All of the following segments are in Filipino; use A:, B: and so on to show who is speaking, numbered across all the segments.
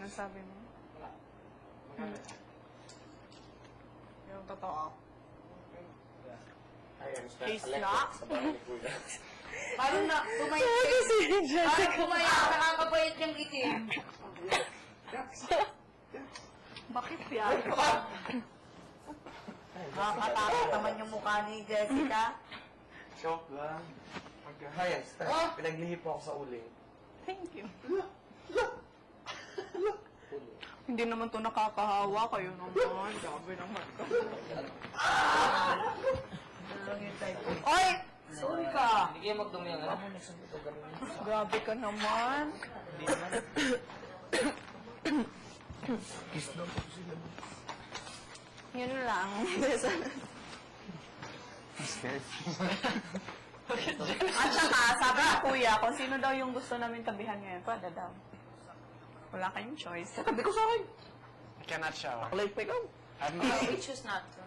A: sabi mo?
B: Wala.
A: Yung totoo.
B: He's
A: not?
C: Parang na, pumayat. Parang pumayat. Nakakapayat yung itim.
A: Bakit yan?
C: Nakakatakot naman yung mukha ni Jessica.
B: Joke lang. Hayas, pinaglihi po ako sa uling.
A: Thank you. Hindi naman to nakakahawa. Kayo naman. Grabe naman. Oy!
C: Sorry ka.
B: Hindi kayo magdumi yan, ha?
A: Grabe ka naman.
B: Kiss lang po sila.
A: Yun lang. At saka, sabi ng kuya, kung sino daw yung gusto namin tabihan ngayon, pwede daw. Wala kayong choice. Sabi ko sa akin.
B: I cannot shower.
A: Like, pick up.
C: We choose not to.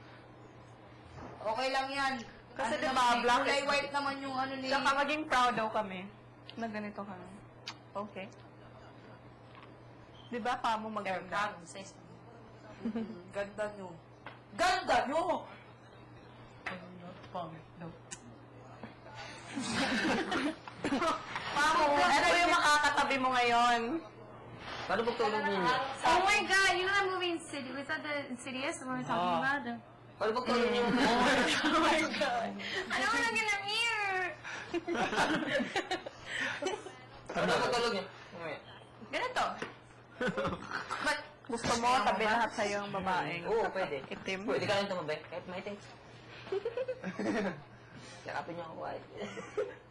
C: Okay lang yan.
A: Kasi
C: Ano
A: diba,
C: naman,
A: black
C: kulay
A: is-
C: white naman yung ano ni...
A: Saka maging proud daw kami na ganito kami. Okay. Di ba, pa mo maganda?
C: Ganda nyo. Ganda nyo!
A: Pangit daw. Pamo, ano yung makakatabi mo ngayon?
B: Paano magtulog ninyo?
D: Oh my god, you know that movie Insidious? Was that the Insidious the one we're talking about?
B: Paano magtulog ninyo?
A: Oh my God.
D: I don't want to get a mirror!
B: Paano magtulog niyo?
A: Ganito. But, gusto mo, tabi lahat sa'yo ang babaeng.
B: Oo, pwede.
A: Itim.
B: Pwede ka rin tumabi, kahit maitim. Yakapin niyo ako, kahit.